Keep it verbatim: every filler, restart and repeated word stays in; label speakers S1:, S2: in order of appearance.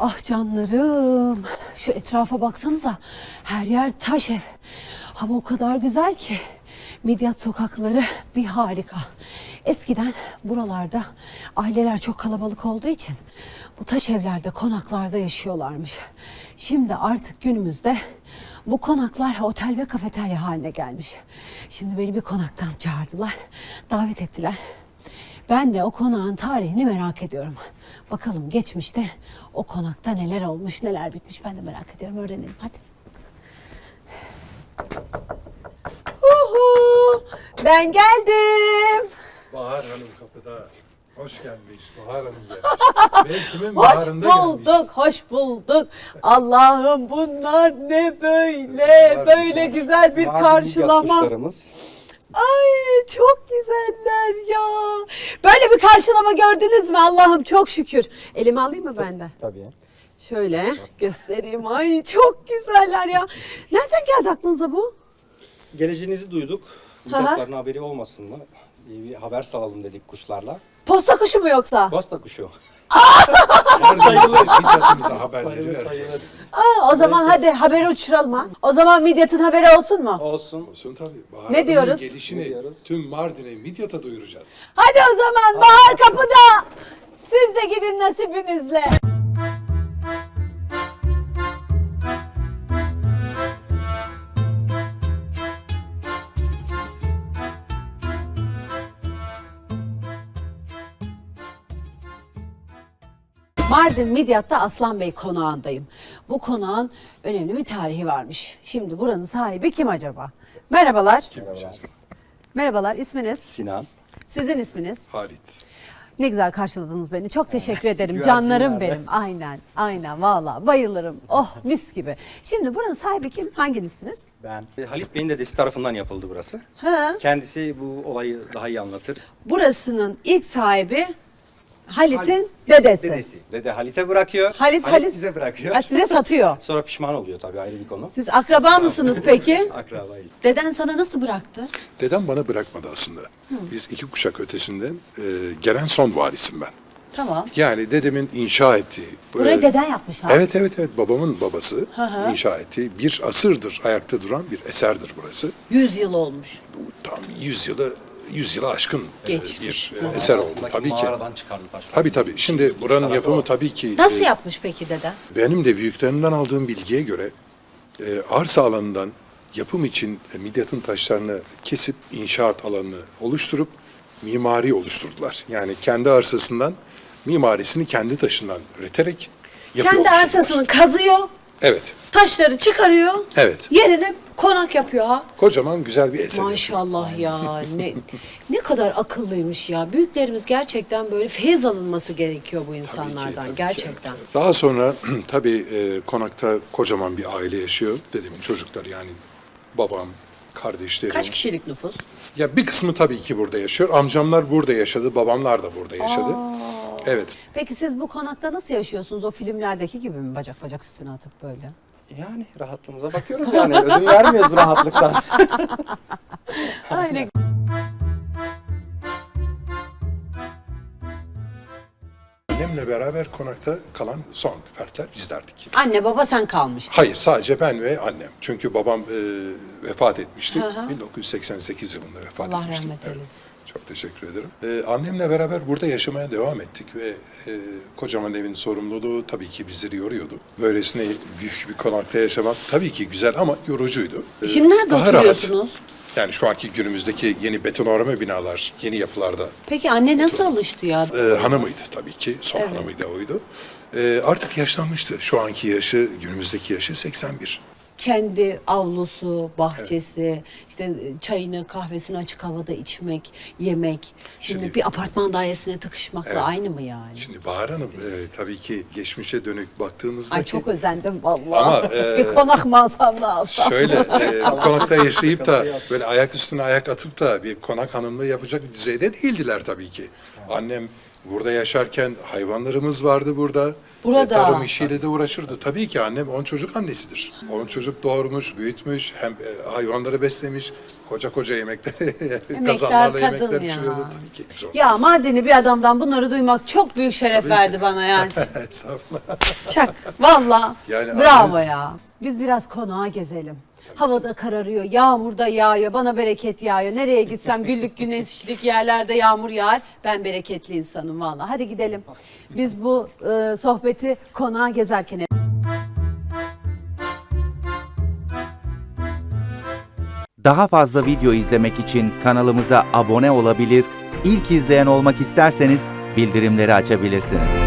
S1: Ah canlarım, şu etrafa baksanıza, her yer taş ev. Hava o kadar güzel ki, Midyat sokakları bir harika. Eskiden buralarda aileler çok kalabalık olduğu için bu taş evlerde, konaklarda yaşıyorlarmış. Şimdi artık günümüzde bu konaklar otel ve kafeterya haline gelmiş. Şimdi beni bir konaktan çağırdılar, davet ettiler. Ben de o konağın tarihini merak ediyorum. Bakalım geçmişte o konakta neler olmuş, neler bitmiş ben de merak ediyorum. Öğrenelim hadi. Uhu, ben geldim.
S2: Bahar Hanım kapıda. Hoş gelmiş. Bahar Hanım gelmiş. Mevsimin
S1: Hoş
S2: baharında
S1: bulduk,
S2: gelmiş.
S1: hoş bulduk. Allah'ım bunlar ne böyle,
S2: Bunlar
S1: böyle güzel bir karşılama.
S3: Kuşlarımız.
S1: Ay çok güzeller ya. Böyle bir karşılama gördünüz mü? Allah'ım çok şükür. Elimi alayım mı benden?
S3: Tabii.
S1: Şöyle göstereyim. Ay çok güzeller ya. Nereden geldi aklınıza bu?
S3: Geleceğinizi duyduk.
S1: Hı hı.
S3: Midyatların haberi olmasın mı? İyi bir haber salalım dedik kuşlarla.
S1: Posta kuşu mu yoksa?
S3: Posta kuşu.
S2: Sayılır. Midyatımıza haberleri
S3: Sayılır
S2: vereceğiz.
S3: sayılır.
S1: Aa, o zaman hadi haberi uçuralım ha. O zaman Midyat'ın haberi olsun mu?
S3: Olsun.
S2: Olsun tabii. Bahar
S1: Ne
S2: Hanım'ın
S1: diyoruz?
S2: gelişini
S3: Ne diyoruz?
S2: tüm Mardin'e, Midyat'a duyuracağız.
S1: Hadi o zaman Bahar kapıda. Siz de gidin nasibinizle. Mardin Midyat'ta Aslan Bey konağındayım. Bu konağın önemli bir tarihi varmış. Şimdi buranın sahibi kim acaba? Merhabalar.
S3: Merhabalar.
S1: Merhabalar, isminiz?
S3: Sinan.
S1: Sizin isminiz?
S2: Halit.
S1: Ne güzel karşıladınız beni. Çok teşekkür ederim.
S3: Güvercinler
S1: Canlarım
S3: de.
S1: benim. Aynen, aynen. Vallahi bayılırım. Oh mis gibi. Şimdi buranın sahibi kim? Hanginizsiniz?
S3: Ben. E, Halit Bey'in dedesi tarafından yapıldı burası.
S1: Ha.
S3: Kendisi bu olayı daha iyi anlatır.
S1: Burasının ilk sahibi Halit'in dedesi.
S3: Dedesi. Dede Halit'e bırakıyor.
S1: Halit,
S3: Halit,
S1: Halit
S3: bize bırakıyor.
S1: Ha, size satıyor.
S3: Sonra pişman oluyor tabii, ayrı bir konu.
S1: Siz akraba mısınız peki?
S3: Akrabayız.
S1: Deden sana nasıl bıraktı?
S2: Dedem bana bırakmadı aslında. Biz iki kuşak ötesinden e, gelen son varisim ben.
S1: Tamam.
S2: Yani dedemin inşa ettiği...
S1: Burayı
S2: e,
S1: deden yapmış ha.
S2: Evet evet evet babamın babası
S1: hı.
S2: inşa ettiği bir asırdır ayakta duran bir eserdir burası.
S1: Yüz yıl olmuş.
S2: Bu tam yüz yılı yüz yılı aşkın e,
S1: Geçmiş.
S2: bir e, eser oldu
S3: Altındaki
S2: tabii ki.
S3: Mağaradan çıkardı taşlar.
S2: Tabii tabii. Şimdi buranın yapımı tabii ki...
S1: Nasıl
S2: e,
S1: yapmış peki deden?
S2: Benim de büyüklerimden aldığım bilgiye göre e, arsa alanından yapım için e, Midyat'ın taşlarını kesip inşaat alanını oluşturup mimari oluşturdular. Yani kendi arsasından mimarisini kendi taşından üreterek yapı
S1: Kendi
S2: oluşturdular.
S1: arsasını kazıyor,
S2: Evet,
S1: taşları çıkarıyor,
S2: evet.
S1: yerine konak yapıyor ha.
S2: Kocaman güzel bir eser.
S1: Maşallah ya, ne ne kadar akıllıymış ya. Büyüklerimiz gerçekten böyle feyiz alınması gerekiyor bu
S2: Tabii ki,
S1: insanlardan
S2: tabii ki.
S1: gerçekten.
S2: Daha sonra tabii e, konakta kocaman bir aile yaşıyor. Dedemin çocukları yani babam, kardeşlerim.
S1: Kaç kişilik nüfus?
S2: Ya bir kısmı tabii ki burada yaşıyor. Amcamlar burada yaşadı, babamlar da burada yaşadı. Evet.
S1: Peki siz bu konakta nasıl yaşıyorsunuz? O filmlerdeki gibi mi bacak bacak üstüne atıp böyle?
S3: Yani rahatlığımıza bakıyoruz yani. Ödün vermiyoruz rahatlıktan.
S1: Aynen.
S2: Annemle beraber konakta kalan son fertler bizlerdik.
S1: Anne baba sen kalmıştın.
S2: Hayır, sadece ben ve annem. Çünkü babam e, vefat etmişti. bin dokuz yüz seksen sekiz yılında vefat
S1: Allah
S2: etmişti.
S1: rahmet
S2: Evet.
S1: eylesin.
S2: Çok teşekkür ederim. E, annemle beraber burada yaşamaya devam ettik ve e, kocaman evin sorumluluğu tabii ki bizleri yoruyordu. Böylesine büyük bir konakta yaşamak tabii ki güzel ama yorucuydu. E,
S1: Şimdi nerede
S2: daha
S1: oturuyorsunuz?
S2: rahat. Yani şu anki günümüzdeki yeni betonarme binalar, yeni yapılarda
S1: Peki anne nasıl alıştı ya?
S2: e, hanımıydı tabii ki. Son hanımıydı oydu. E, artık yaşlanmıştı. Şu anki yaşı, günümüzdeki yaşı seksen bir.
S1: Kendi avlusu, bahçesi, işte çayını, kahvesini açık havada içmek, yemek. Şimdi,
S2: Şimdi-
S1: bir apartman dairesine tıkışmakla
S2: Evet.
S1: aynı mı yani?
S2: Şimdi Bahar Hanım e, tabii ki geçmişe dönük baktığımızda
S1: Ay çok özendim vallahi.
S2: Ama, e,
S1: bir konak mı alsam da alsam.
S2: şöyle e, bu konakta yaşayıp da böyle ayak üstüne ayak atıp da bir konak hanımlığı yapacak bir düzeyde değildiler tabii ki. Annem burada yaşarken hayvanlarımız vardı burada.
S1: Burada.
S2: tarım işiyle de uğraşırdı. Tabii ki annem on çocuk annesidir. On çocuk doğurmuş, büyütmüş, hem e, hayvanları beslemiş, koca koca yemekler, kazanlarla
S1: kadın
S2: yemekler
S1: ya.
S2: pişiriyordu. Tabii ki. Zor
S1: Ya
S2: kız.
S1: Mardinli bir adamdan bunları duymak çok büyük şeref verdi bana yani.
S2: Estağfurullah.
S1: Çak. Valla.
S2: Yani
S1: Bravo
S2: anneniz-
S1: ya. Biz biraz konağa gezelim. Havada kararıyor, yağmur da yağıyor, bana bereket yağıyor. Nereye gitsem güllük güneşlik yerlerde yağmur yağar. Ben bereketli insanım valla. Hadi gidelim. Biz bu e, sohbeti konağa gezerken
S4: Daha fazla video izlemek için kanalımıza abone olabilir, ilk izleyen olmak isterseniz bildirimleri açabilirsiniz.